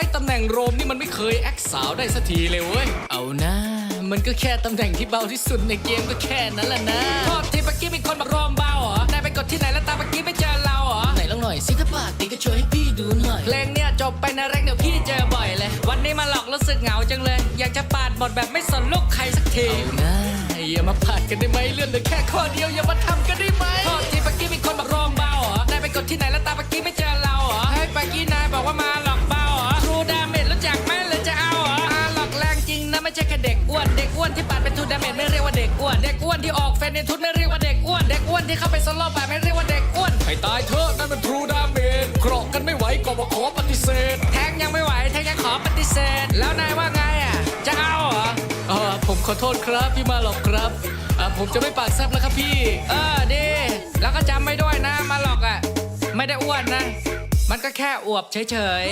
อ้ตำแหน่งโรมนี่มันไม่เคยแอคสาวได้สักทีเลยเว้ยเอานะมันก็แค่ตำแหน่งที่เบาที่สุดในเกมก็แค่นั้นแหละนะโทษทีเมื่อกี้มีคนบอกโรมเบาเหรอนายไปกดที่ไหนแล้วตามเมื่อกี้ไม่เจอเราเหรอไหนลองหน่อยสิถ้าปากดีก็ช่วยให้พี่ดูหน่อยเพลงเนี่ยจบไปนะแรกเดี๋ยวพี่เจอบ่อยเลยวันนี้มาหลอกรู้สึกเหงาจังเลยอยากจะปาดบทแบบไม่สนลูกใครสักทีนะอย่ามาปาดกันได้ไหมเลื่อนเหลือแค่ข้อเดียวอย่ามาทำกันได้ไหมโทษทีเมื่อกี้มีคนบอกโรมเบาเหรอนายไปกดที่ไหนแล้วตามเมื่อกี้ไม่เจอเราเหรอให้เมื่อกี้นายบอกว่ามาหลอกเบาเหรอทรูดาเมจรู้จักไหมหรือจะเอาเหรอหลอกแรงจริงนะไม่ใช่แค่เด็กอ้วนที่ปาดเป็นทูดาเมจไม่เรียกว่าเด็กอ้วนที่ออกเฟนในทุนไม่เรียกว่าเด็กอ้วนที่เข้าไปโซโล่แบบไม่เรียกว่าเด็กอ้วนให้ตายเถอะนั่นมันทรูดาเมจเกราะกันไม่ไหวก็มาขอปฏิเสธแทงยังไม่ไหวแทงยังขอปฏิเสธแล้วนายว่าไงอ่ะจะเอาเหรอผมขอโทษครับพี่มาหลอกครับผมจะไม่ปากแซบแล้วครับพี่ดีแล้วก็จำไม่ด้วยนะมาหลอกอ่ะไม่ได้อ้วนนะมันก็แค่อวบเฉยๆ